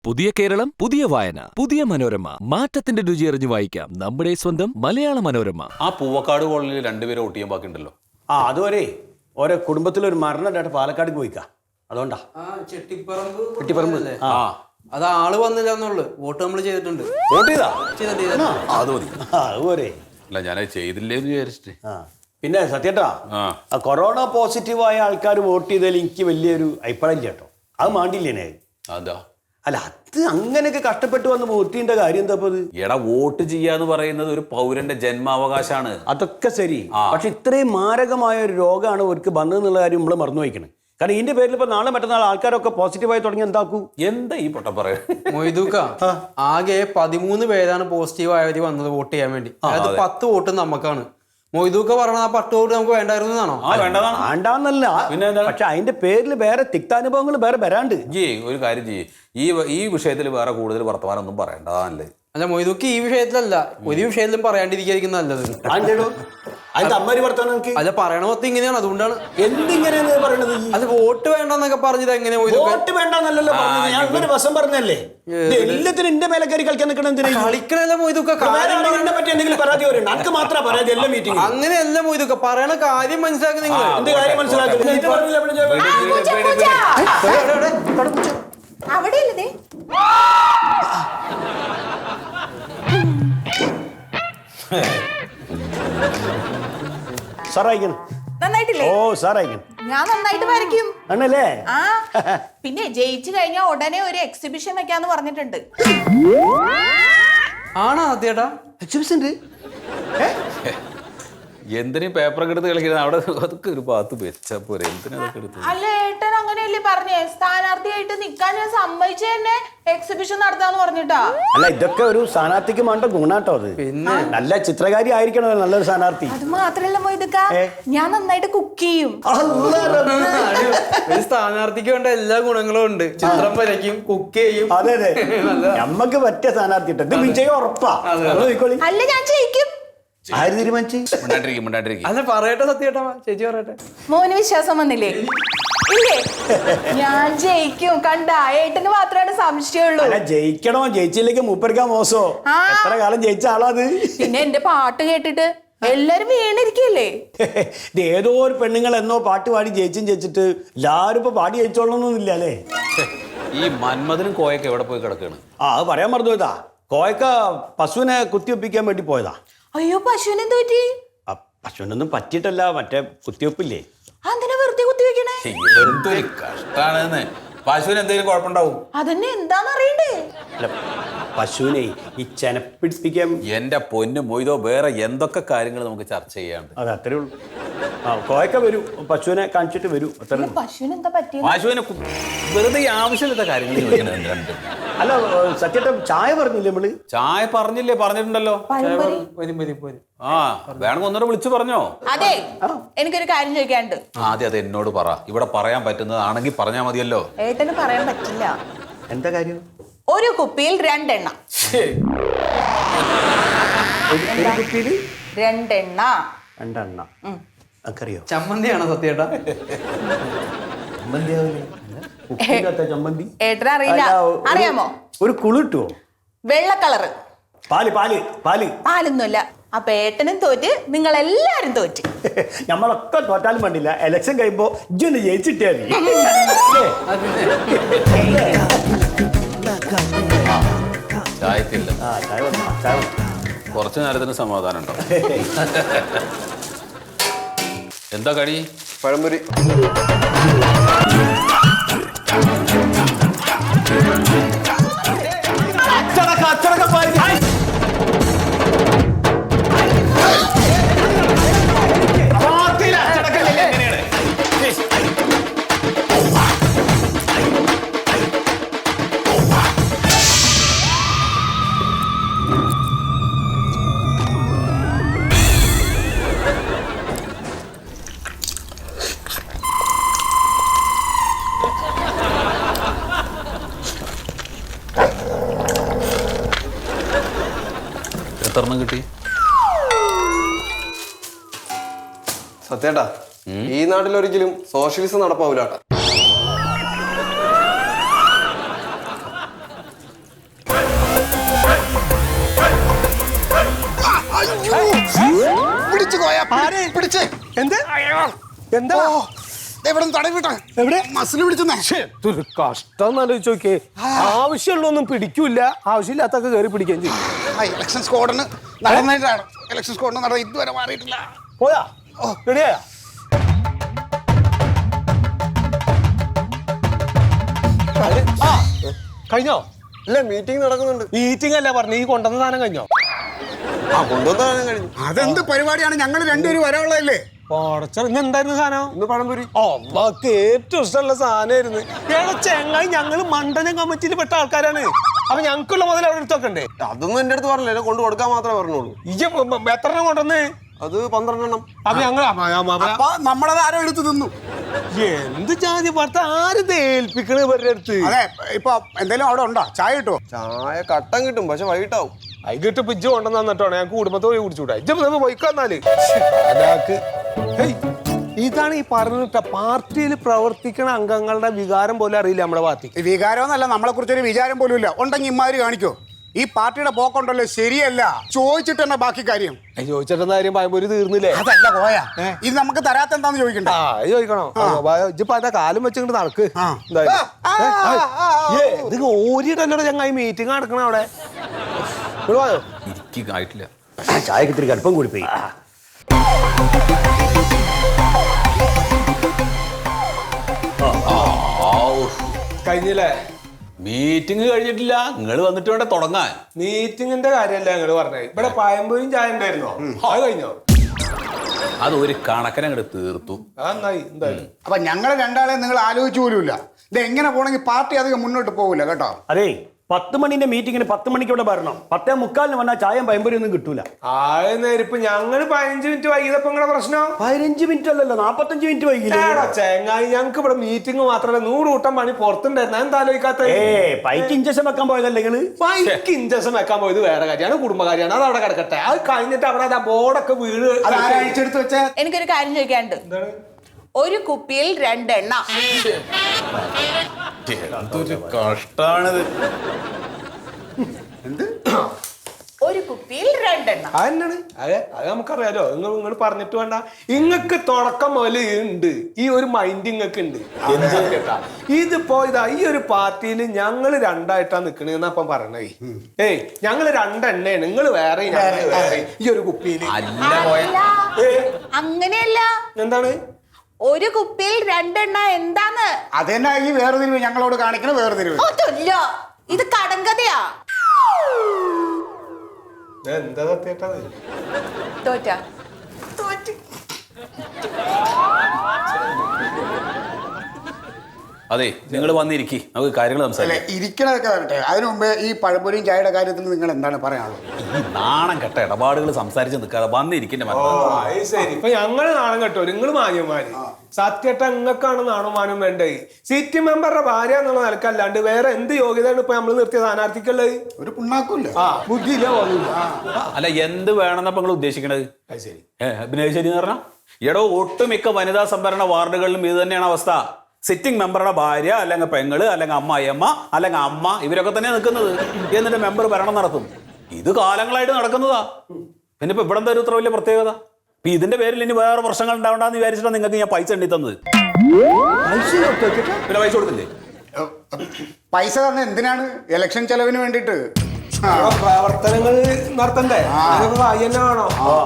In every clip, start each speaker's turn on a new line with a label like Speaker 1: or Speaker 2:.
Speaker 1: പുതിയ കേരളം, പുതിയ വായന, പുതിയ മനോരമ. മാറ്റത്തിന്റെ രുചി അറിഞ്ഞു വായിക്കാം നമ്മുടെ സ്വന്തം മലയാള മനോരമ.
Speaker 2: ആ പൂവക്കാട് കോളനിയിൽ രണ്ടുപേരും വോട്ട് ചെയ്യാൻ ബാക്കിയുണ്ടല്ലോ.
Speaker 3: അതുവരെ ഓരോ കുടുംബത്തിലൊരു മരണമായിട്ട് പാലക്കാട് പോയിക്കാ. അതുകൊണ്ടാ ചെട്ടിപ്പറമ്പ്.
Speaker 4: അത് ആള് വന്നില്ല എന്നുള്ളു. വോട്ട് നമ്മൾ ചെയ്തിട്ടുണ്ട്.
Speaker 2: വോട്ട് ചെയ്താ
Speaker 3: അത് മതി. അതുപോലെ
Speaker 2: അല്ല, ഞാനത് ചെയ്തില്ലേന്ന് വിചാരിച്ചിട്ട്.
Speaker 3: പിന്നെ സത്യേട്ടാ, കൊറോണ പോസിറ്റീവായ ആൾക്കാർ വോട്ട് ചെയ്തതിൽ എനിക്ക് വലിയൊരു അഭിപ്രായം ഇല്ല കേട്ടോ. അത് മാണ്ടില്ലേനെ.
Speaker 2: അതാ
Speaker 3: അല്ല, അത് അങ്ങനെയൊക്കെ കഷ്ടപ്പെട്ട് വന്ന് വോട്ട് ചെയ്യേണ്ട കാര്യം എന്താ?
Speaker 2: എടാ, വോട്ട് ചെയ്യാന്ന് പറയുന്നത് ഒരു പൗരന്റെ ജന്മാവകാശമാണ്.
Speaker 3: അതൊക്കെ ശരി, പക്ഷെ ഇത്രയും മാരകമായ ഒരു രോഗമാണ് അവർക്ക് വന്നതെന്നുള്ള കാര്യം നമ്മൾ മറന്നു വയ്ക്കണം. കാരണം ഇതിന്റെ പേരിൽ ഇപ്പൊ നാളെ മറ്റന്നാൾ ആൾക്കാരൊക്കെ പോസിറ്റീവായി തുടങ്ങി എന്താക്കൂ?
Speaker 2: എന്താ ഈ പൊട്ട പറയാ?
Speaker 4: മൊയ്തൂക്ക, ആകെ 13 പേരാണ് പോസിറ്റീവ് ആയവര് വന്നത് വോട്ട് ചെയ്യാൻ വേണ്ടി. അതായത് 10 വോട്ട് നമുക്കാണ്. മൊയ്തൂക്ക പറഞ്ഞ ആ 10 വോട്ട് നമുക്ക് വേണ്ടായിരുന്നാണോ?
Speaker 3: വേണ്ടാന്നല്ല, പക്ഷെ അതിന്റെ പേരിൽ വേറെ തിക്താനുഭവങ്ങൾ വേറെ വരാണ്ട്.
Speaker 2: ഒരു കാര്യം ചെയ്യേ, ഈ വിഷയത്തിൽ വേറെ കൂടുതൽ വർത്തമാനം ഒന്നും പറയണ്ടല്ലേ.
Speaker 4: അല്ല മൊയ്തൂക്ക്, ഈ വിഷയത്തിലല്ല, ഒരു വിഷയത്തിലും പറയാണ്ടിരിക്കുന്ന നല്ലത്. അല്ല, പറയണ മൊത്തം ഇങ്ങനെയാണ്, അതുകൊണ്ടാണ്.
Speaker 3: എന്തിങ്ങനെയാണ് പറയണത്?
Speaker 4: അത് വോട്ട് വേണ്ടെന്നൊക്കെ പറഞ്ഞത് എങ്ങനെ?
Speaker 3: വോട്ട് വേണ്ടെന്നല്ലോ ഞാൻ വശം പറഞ്ഞല്ലേ. എല്ലാത്തിനും എന്റെ മേലെ കയറി കളിക്കാൻ
Speaker 4: കളിക്കണല്ല മൊയ്തൂക്ക.
Speaker 3: പറ്റി എന്തെങ്കിലും പരാതി വരും, നമുക്ക് മാത്രമേ പരാതി എല്ലാ മീറ്റിംഗ്.
Speaker 4: അങ്ങനെയല്ല മൊയ്തൂക്ക, പറയണ കാര്യം മനസ്സിലാക്കി. നിങ്ങൾ
Speaker 3: എന്ത് കാര്യം മനസ്സിലാക്കുന്നത്?
Speaker 5: നന്നായിട്ടില്ലേ? ഞാൻ നന്നായിട്ട് വരയ്ക്കും.
Speaker 3: ആണല്ലേ?
Speaker 5: ആ, പിന്നെ ജയിച്ചു കഴിഞ്ഞാൽ ഉടനെ ഒരു എക്സിബിഷൻ വെക്കാന്ന് പറഞ്ഞിട്ടുണ്ട്.
Speaker 4: ആണോ സത്യേട്ടാ?
Speaker 3: എക്സിബിഷൻ?
Speaker 2: എന്തിനും പേപ്പറൊക്കെ എടുത്ത് കളിക്കുന്നത്? അവിടെ അതൊക്കെ ഒരു ഭാഗത്ത് വെച്ചാ പോരെ. എന്തിനൊക്കെ എടുത്ത്?
Speaker 5: അല്ല, ഏട്ടൻ അങ്ങനെയല്ലേ പറഞ്ഞേ? സ്ഥാനാർത്ഥിയായിട്ട് നിക്കാൻ ഞാൻ സമ്മതിച്ചു തന്നെ എക്സിബിഷൻ നടത്താന്ന് പറഞ്ഞിട്ടാ.
Speaker 3: അല്ല, ഇതൊക്കെ ഒരു സ്ഥാനാർത്ഥിക്ക് വേണ്ട ഗുണാട്ടോ. അത് പിന്നെ നല്ല ചിത്രകാരി ആയിരിക്കണോ നല്ലൊരു സ്ഥാനാർത്ഥി.
Speaker 5: അത് മാത്രല്ല മൊയ്തുക്ക, ഞാൻ നന്നായിട്ട് കുക്ക് ചെയ്യും.
Speaker 4: ഒരു സ്ഥാനാർത്ഥിക്ക് വേണ്ട എല്ലാ ഗുണങ്ങളും ഉണ്ട്. ചിത്രം വരയ്ക്കും, കുക്ക് ചെയ്യും.
Speaker 3: അതെ അതെ, നമ്മക്ക് പറ്റിയ സ്ഥാനാർത്ഥി. ഇത് വിജയം ഉറപ്പാ.
Speaker 5: അല്ല, ഞാൻ ജയിക്കും.
Speaker 3: ആര് തീരുമാനിച്ചു?
Speaker 4: അല്ല, പറയട്ടെ സത്യേട്ടാ, ചേച്ചി പറയട്ടെ.
Speaker 5: മോന് വിശ്വാസം വന്നില്ലേ? ഇല്ലേ? ഞാൻ ജയിക്കും. കണ്ട, ഏട്ടന് മാത്രമാണ് സംശയമുള്ളൂ.
Speaker 3: ജയിക്കണോ ജയിച്ചില്ലെങ്കിൽ മൂപ്പരിക്കാൻ മോശോ? എത്ര കാലം ജയിച്ച ആളാത്.
Speaker 5: പിന്നെ എന്റെ പാട്ട് കേട്ടിട്ട് എല്ലാരും വീണിരിക്കല്ലേ?
Speaker 3: ഇത് ഏതോ ഒരു പെണ്ണുങ്ങൾ എന്നോ പാട്ട് പാടി ജയിച്ചിട്ട് എല്ലാരും ഇപ്പൊ പാടി ജയിച്ചോളണമെന്നില്ല അല്ലേ?
Speaker 2: ഈ മന്മഥനും കോയൊക്കെ എവിടെ പോയി കിടക്കാണ്?
Speaker 3: അത് പറയാൻ മറന്നു പോയതാ. കോയക്ക പശുവിനെ കുത്തിവെപ്പിക്കാൻ വേണ്ടി പോയതാ.
Speaker 5: അയ്യോ, പശുവിനെ എന്ത് പറ്റി?
Speaker 3: പശുവിനൊന്നും പറ്റിയിട്ടല്ല, മറ്റേ കുത്തിവെപ്പില്ലേ.
Speaker 5: അതിനെ വെറുതെ കുത്തിവെക്കണേ?
Speaker 2: എന്തൊരു കഷ്ടാണെന്ന്. പശുവിന് എന്തെങ്കിലും കുഴപ്പമുണ്ടാവും?
Speaker 5: അതന്നെ എന്താന്ന് അറിയണ്ടേ?
Speaker 3: അല്ല, പശുവിനെ ഈ ചെനപ്പിടിപ്പിക്കാൻ.
Speaker 2: എന്റെ പൊന്നു മൊയ്തോ, വേറെ എന്തൊക്കെ കാര്യങ്ങൾ നമുക്ക് ചർച്ച ചെയ്യാണ്ട്.
Speaker 3: അതെ, അത്രേ ഉള്ളൂ. കോയക്ക വരൂ, പശുവിനെ കാണിച്ചിട്ട് വരൂ.
Speaker 5: പശുവിന് എന്താ പറ്റിയത്?
Speaker 2: പശുവിനെ വെറുതെ ആവശ്യമില്ലാത്ത കാര്യങ്ങൾ.
Speaker 3: അല്ല സത്യേട്ട, ചായ പറഞ്ഞില്ലേ നമ്മള്?
Speaker 2: ചായ പറഞ്ഞില്ലേ? പറഞ്ഞിട്ടുണ്ടല്ലോ. വേണമെങ്കിൽ ഒന്നൂടെ വിളിച്ചു പറഞ്ഞോ.
Speaker 5: അതെ, എനിക്കൊരു കാര്യം ചോദിക്കാനുണ്ട്.
Speaker 2: ആദ്യം അത് എന്നോട് പറ. ഇവിടെ പറയാൻ പറ്റുന്നതാണെങ്കിൽ പറഞ്ഞാൽ മതിയല്ലോ.
Speaker 5: ഏട്ടന് പറയാൻ പറ്റില്ല.
Speaker 3: എന്താ കാര്യം?
Speaker 5: ഒരു കുപ്പിയിൽ 2 എണ്ണ.
Speaker 3: ഒരു കുപ്പിയിൽ
Speaker 5: 2 എണ്ണ.
Speaker 3: 2 എണ്ണ അറിയോ?
Speaker 4: ചമ്മന്തിയാണോ സത്യേട്ടാ?
Speaker 3: ചമ്മന്തി
Speaker 5: ഏട്ടന് അറിയില്ല. അറിയാമോ?
Speaker 3: ഒരു കുളിട്ടുവോ?
Speaker 5: വെള്ള കളറ്. പാലൊന്നുമല്ല. അപ്പൊ ഏട്ടനും തോറ്റ്, നിങ്ങൾ എല്ലാരും തോറ്റ്.
Speaker 3: നമ്മളൊക്കെ തോറ്റാലും വേണ്ടില്ല, എലക്ഷൻ കഴിയുമ്പോ ഇജ്ജൊന്ന് ജയിച്ചിട്ടേ മതി.
Speaker 2: ചായത്തില്ല. കുറച്ചു നേരത്തിന് സമാധാനം ഉണ്ടോ? എന്താ കടി?
Speaker 6: പഴംപൊരി.
Speaker 2: എത്രണ്ണം കിട്ടി?
Speaker 6: സത്യേട്ടാ, ഈ നാട്ടിലൊരിക്കലും സോഷ്യലിസം നടപ്പാവൂല.
Speaker 7: പിടിച്ച് എന്ത് എന്താ എവിടെ തടവിട്ടെ എവിടെ മസിൽ പിടിച്ചെന്നേ
Speaker 8: ഇതൊരു കഷ്ടം എന്നാലോചിച്ച് നോക്കിയേ ആവശ്യമുള്ളൊന്നും പിടിക്കൂല ആവശ്യമില്ലാത്തൊക്കെ കയറി പിടിക്കുകയും ചെയ്യും
Speaker 7: ഇലക്ഷൻ സ്ക്വാഡിന് നടന്നിട്ടാണ് ഇലക്ഷൻ സ്ക്വാഡിന് നടന്നത് ഇതുവരെ മാറിയിട്ടില്ല
Speaker 8: പോയാ റെഡിയായ കഴിഞ്ഞോ
Speaker 6: ഇല്ല മീറ്റിംഗ് നടക്കുന്നുണ്ട്.
Speaker 8: മീറ്റിംഗ് അല്ല പറഞ്ഞു ഈ കൊണ്ടുവന്ന സാധനം കഴിഞ്ഞോ
Speaker 6: കൊണ്ടുവന്നാലും കഴിഞ്ഞു.
Speaker 7: അതെന്ത് പരിപാടിയാണ് ഞങ്ങൾ രണ്ടുപേരും വരാനുള്ളതല്ലേ
Speaker 8: ഇന്ന് എന്തായിരുന്നു സാധനം
Speaker 6: ഇന്ന് പഴംപൊരി.
Speaker 8: അമ്മക്ക് ഏറ്റവും ഇഷ്ടമുള്ള സാധനമായിരുന്നു ഏടാ ചെങ്ങായി ഞങ്ങള് മണ്ഡലം കമ്മിറ്റിയിൽ പെട്ട ആൾക്കാരാണ് അപ്പൊ ഞങ്ങൾക്കുള്ള മുതൽ അവിടെ എടുത്തൊക്കെ
Speaker 6: അതൊന്നും എന്റെ അടുത്ത് പറഞ്ഞില്ല, കൊണ്ട് കൊടുക്കാൻ മാത്രമേ പറഞ്ഞോളൂ.
Speaker 8: എത്ര എണ്ണം കൊണ്ടുവന്ന്
Speaker 6: അത് 12 എണ്ണം.
Speaker 8: അപ്പൊ ഞങ്ങൾ
Speaker 7: അപ്പൊ നമ്മളത് ആരോ എടുത്ത് തിന്നു.
Speaker 8: എന്ത് ജാതി പാർത്ത ആര് ഏൽപ്പിക്കണ ഇവരുടെ അടുത്ത്
Speaker 7: അതെ ഇപ്പൊ എന്തെങ്കിലും അവിടെ ഉണ്ടോ? ചായ കിട്ടുമോ?
Speaker 6: ചായ കട്ടൻ കിട്ടും, പക്ഷെ വൈകിട്ടാവും.
Speaker 8: അതിട്ട് പിജ്ജ് കൊണ്ടുവന്ന് തന്നിട്ടാണ് ഞാൻ കുടുംബത്തെ പോയി കുടിച്ചുകൂടാ ഇജ്ജ് പോയിക്കാന്നാല് ഇതാണ് ഈ പറഞ്ഞിട്ട പാർട്ടിയിൽ പ്രവർത്തിക്കുന്ന അംഗങ്ങളുടെ വികാരം പോലെ അറിയില്ല നമ്മുടെ പാർട്ടി.
Speaker 7: വികാരമൊന്നല്ല, നമ്മളെ കുറിച്ചൊരു വിചാരം പോലും ഇല്ല. ഉണ്ടെങ്കിൽ ഇമാര് കാണിക്കോ? ഈ പാർട്ടിയുടെ പോക്കുണ്ടല്ലോ ശരിയല്ല. ചോദിച്ചിട്ട് തന്നെ ബാക്കി കാര്യം.
Speaker 8: ചോദിച്ചിട്ടെന്ന കാര്യം പഴംപൊരി തീർന്നില്ലേ?
Speaker 7: അതല്ല പോയാ ഇത് നമുക്ക് തരാത്ത എന്താന്ന് ചോദിക്കണ്ട.
Speaker 8: ചോദിക്കണോ? ഇജ്ജിപ്പോ അതാ കാലം വെച്ചിട്ട് നടക്ക്. ഇത് ഓരിട്ടല്ലോ ചങ്ങായി മീറ്റിംഗ് നടക്കണ അവിടെ.
Speaker 2: ആയിട്ടില്ല.
Speaker 3: ചായക്ക് ഇത്തിരി കടുപ്പം കൂടി പോയി.
Speaker 8: കഴിഞ്ഞില്ലേ?
Speaker 2: മീറ്റിംഗ് കഴിഞ്ഞിട്ടില്ല, നിങ്ങൾ വന്നിട്ട് വേണ്ട തുടങ്ങാൻ.
Speaker 8: മീറ്റിംഗിന്റെ കാര്യമല്ല ഞങ്ങള് പറഞ്ഞത്. ഇവിടെ പഴംപൊരിയും ചായ ഉണ്ടായിരുന്നോ? അത് കഴിഞ്ഞോ?
Speaker 2: അത് ഒരു കണക്കിനെ അങ്ങോട്ട് തീർത്തു.
Speaker 8: നന്നായി എന്തായാലും.
Speaker 7: അപ്പൊ ഞങ്ങൾ രണ്ടാളെ നിങ്ങൾ ആലോചിച്ചു പോലുമില്ല. ഇത് എങ്ങനെ പോണെങ്കിൽ പാർട്ടി അധികം മുന്നോട്ട് പോകില്ല കേട്ടോ.
Speaker 3: അതേ 10 മണിന്റെ മീറ്റിങ്ങിന് 10 മണിക്ക് ഇവിടെ വരണം. 10:45 വന്നാൽ ചായയും പഴംപൊരി ഒന്നും കിട്ടൂല.
Speaker 8: ആയിരം ഞങ്ങള് 15 മിനിറ്റ് വൈകിയപ്പോ നിങ്ങളുടെ പ്രശ്നം
Speaker 3: 15 മിനിറ്റ് അല്ലല്ലോ 45 മിനിറ്റ് വൈകില്ല.
Speaker 8: ചെങ്ങായി ഞങ്ങൾക്ക് ഇവിടെ മീറ്റിംഗ് മാത്രമല്ല 100 കൂട്ടം പണി പുറത്തുണ്ടായിരുന്നു. എന്താ ആലോചിക്കാത്ത?
Speaker 3: പൈക്ക് ഇഞ്ചക്ഷൻ വെക്കാൻ പോയതല്ലേ നിങ്ങള്?
Speaker 8: പൈക്ക് ഇഞ്ചക്ഷൻ വെക്കാൻ പോയത് വേറെ കാര്യമാണ്, കുടുംബകാര്യമാണ്. അത് അവിടെ കിടക്കട്ടെ. അത് കഴിഞ്ഞിട്ട് അവിടെ ആ ബോർഡൊക്കെ വീട്
Speaker 7: അഴിച്ചെടുത്ത് വെച്ചാൽ
Speaker 5: എനിക്കൊരു കാര്യം ചോദിക്കാനുണ്ട്. ഒരു കുപ്പിയിൽ 2 എണ്ണ.
Speaker 2: എന്തൊരു കഷ്ടാണിത്.
Speaker 5: ഒരു കുപ്പിയിൽ 2 എണ്ണ.
Speaker 8: അതെന്നാണ്? അത് നമുക്കറിയാലോ. നിങ്ങൾ പറഞ്ഞിട്ട് വേണ്ട. ഇങ്ങക്ക് തുടക്കം മുതൽ ഉണ്ട് ഈ ഒരു മൈൻഡ് ഇങ്ങക്ക് ഉണ്ട്. കേട്ടാ ഇതിപ്പോ ഇതാ ഈ ഒരു പാർട്ടിയിൽ ഞങ്ങൾ രണ്ടായിട്ടാ നിക്കണെന്ന് അപ്പം പറഞ്ഞേ. ഞങ്ങള് 2 എണ്ണയാണ്, നിങ്ങൾ വേറെ ഈ ഒരു കുപ്പിയിൽ.
Speaker 5: അങ്ങനെയല്ല.
Speaker 8: എന്താണ്
Speaker 5: ഒരു കുപ്പിയിൽ 2 എണ്ണ? എന്താന്ന്
Speaker 7: അതെന്നാ ഈ വേർതിരിവ് ഞങ്ങളോട് കാണിക്കണ വേർതിരിവ്?
Speaker 5: അതല്ല, ഇത് കടങ്കഥയാ.
Speaker 8: എന്താ സത്യേട്ടത്?
Speaker 5: തോറ്റ
Speaker 2: അതെ, നിങ്ങൾ വന്നിരിക്കി, നമുക്ക് കാര്യങ്ങൾ
Speaker 7: അല്ലെ
Speaker 2: സംസാരിക്കാം.
Speaker 7: ഇരിക്കണതൊക്കെ വരട്ടെ. അതിനു മുമ്പേ ഈ പഴംപൊരിയും ചായയുടെ കാര്യത്തിൽ നിങ്ങൾ എന്താണ് പറയാനുള്ളത്?
Speaker 2: ഈ നാണം കെട്ട ഇടപാടുകൾ സംസാരിച്ച് നിൽക്കാതെ വന്നിരിക്കണ്ടേ.
Speaker 8: ശരി, ഇപ്പൊ ഞങ്ങള് നാണം കെട്ടോ, നിങ്ങള് മാന്യന്മാര്. സത്യേട്ട നിങ്ങൾക്കാണ് നാണും മാനും വേണ്ടേ. സിറ്റി മെമ്പറുടെ ഭാര്യ എന്നുള്ള നിലക്കല്ലാണ്ട് വേറെ എന്ത് യോഗ്യതയാണ് ഇപ്പൊ നമ്മള് നിർത്തിയ സ്ഥാനാർത്ഥിക്കുള്ളത്?
Speaker 7: ഒരു പുണ്ണാക്കൂല്ല.
Speaker 8: ബുദ്ധിയില്ല.
Speaker 2: അല്ല, എന്ത് വേണമെന്നപ്പോ നിങ്ങൾ ഉദ്ദേശിക്കണത്?
Speaker 8: ശരി,
Speaker 2: പിന്നെ ശരി എന്ന് പറഞ്ഞാൽ എടോ ഒട്ടുമിക്ക വനിതാ സംവരണ വാർഡുകളിലും ഇത് തന്നെയാണ് അവസ്ഥ. സിറ്റിംഗ് മെമ്പറുടെ ഭാര്യ അല്ലെങ്കിൽ പെങ്ങള് അല്ലെങ്കിൽ അമ്മായിയമ്മ അല്ലെങ്കിൽ അമ്മ ഇവരൊക്കെ തന്നെ നിൽക്കുന്നത്. എന്നിട്ട് മെമ്പർ ഭരണം നടത്തും. ഇത് കാലങ്ങളായിട്ട് നടക്കുന്നതാ. പിന്നെ ഇപ്പൊ ഇവിടെ എന്താ ഇത്ര വലിയ പ്രത്യേകത? ഇപ്പൊ ഇതിന്റെ പേരിൽ ഇനി വേറെ പ്രശ്നങ്ങൾ ഉണ്ടാവണ്ടെന്ന് വിചാരിച്ചിട്ടാണ് നിങ്ങൾക്ക് ഞാൻ പൈസ എണ്ണി തന്നത്. പിന്നെ പൈസ കൊടുത്തില്ലേ?
Speaker 7: പൈസ തന്നെ എന്തിനാണ്? ഇലക്ഷൻ ചെലവിന് വേണ്ടിട്ട്.
Speaker 8: പ്രവർത്തനങ്ങൾ നടത്തണ്ടേ? വേണോ?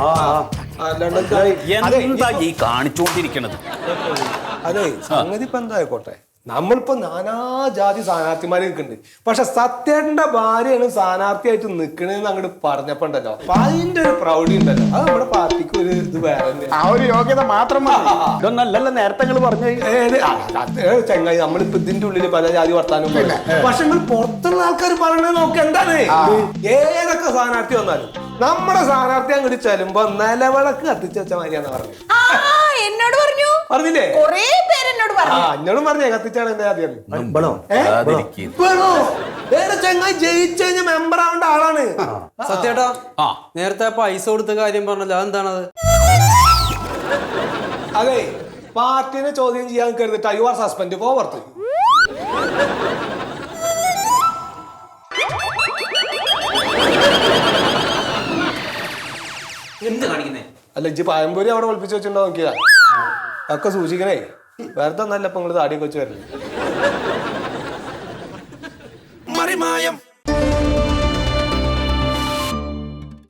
Speaker 2: എന്താ ഈ കാണിച്ചുകൊണ്ടിരിക്കണത്?
Speaker 8: അതെ, സംഗതി ഇപ്പൊ എന്തായിക്കോട്ടെ, നമ്മളിപ്പോ നാനാജാതി സ്ഥാനാർത്ഥിമാര് നിൽക്കുന്നുണ്ട്. പക്ഷെ സത്യേട്ടന്റെ ഭാര്യയാണ് സ്ഥാനാർത്ഥിയായിട്ട് നിക്കണെന്ന് അങ്ങോട്ട് പറഞ്ഞപ്പോ ഉണ്ടല്ലോ, അപ്പൊ അതിന്റെ ഒരു പ്രൗഢി ഉണ്ടല്ലോ. അത് നമ്മുടെ പാർട്ടിക്ക് ഒരു ഇത് വേറെ
Speaker 7: ആ ഒരു യോഗ്യത മാത്രം
Speaker 3: ഇതൊന്നല്ലല്ലോ നേരത്തെ നിങ്ങൾ പറഞ്ഞു.
Speaker 8: ചെങ്ങായി, നമ്മളിപ്പോ ഇതിന്റെ ഉള്ളിൽ പല ജാതി വർത്താനം. പക്ഷെ നിങ്ങൾ പുറത്തുള്ള ആൾക്കാർ പറയണത് നോക്ക്. എന്താണ് ഏതൊക്കെ സ്ഥാനാർത്ഥി വന്നാലും നമ്മുടെ സ്ഥാനാർത്ഥി അങ്ങോട്ട് ചെല്ലുമ്പോ നിലവിളക്ക് കത്തിച്ച് വെച്ച മാതിരിയാന്ന് പറഞ്ഞു.
Speaker 5: എന്നോട് പറഞ്ഞു.
Speaker 8: പറഞ്ഞില്ലേ?
Speaker 5: കൊറേ പേര് എന്നോട് പറഞ്ഞു.
Speaker 8: എന്നോടും പറഞ്ഞേ കത്തിച്ചാണ് എന്റെ ആദ്യം. ചെങ്ങായി ജയിച്ചു കഴിഞ്ഞ മെമ്പർ ആവേണ്ട ആളാണ്.
Speaker 4: സത്യേട്ടാ, നേരത്തെ പൈസ കൊടുത്ത കാര്യം പറഞ്ഞല്ലോ, അതെന്താണത്?
Speaker 8: അതെ, പാർട്ടിനെ ചോദ്യം ചെയ്യാൻ കരുതിട്ട് യു ആർ സസ്പെൻഡ് പോ പുറത്ത്.
Speaker 9: എന്ത് കാണിക്കുന്നേ?
Speaker 8: അല്ല ഇജ്ജ് പഴംപൊരി അവിടെ ഒളിപ്പിച്ച് വെച്ചിട്ടുണ്ടോ നോക്കിയാ ഒക്കെ സൂക്ഷിക്കണേ വെറുതെ നല്ല ഇപ്പൊ നിങ്ങള് താടിയൊക്കെ വെച്ച് വരല്ലേ
Speaker 9: മറിമായം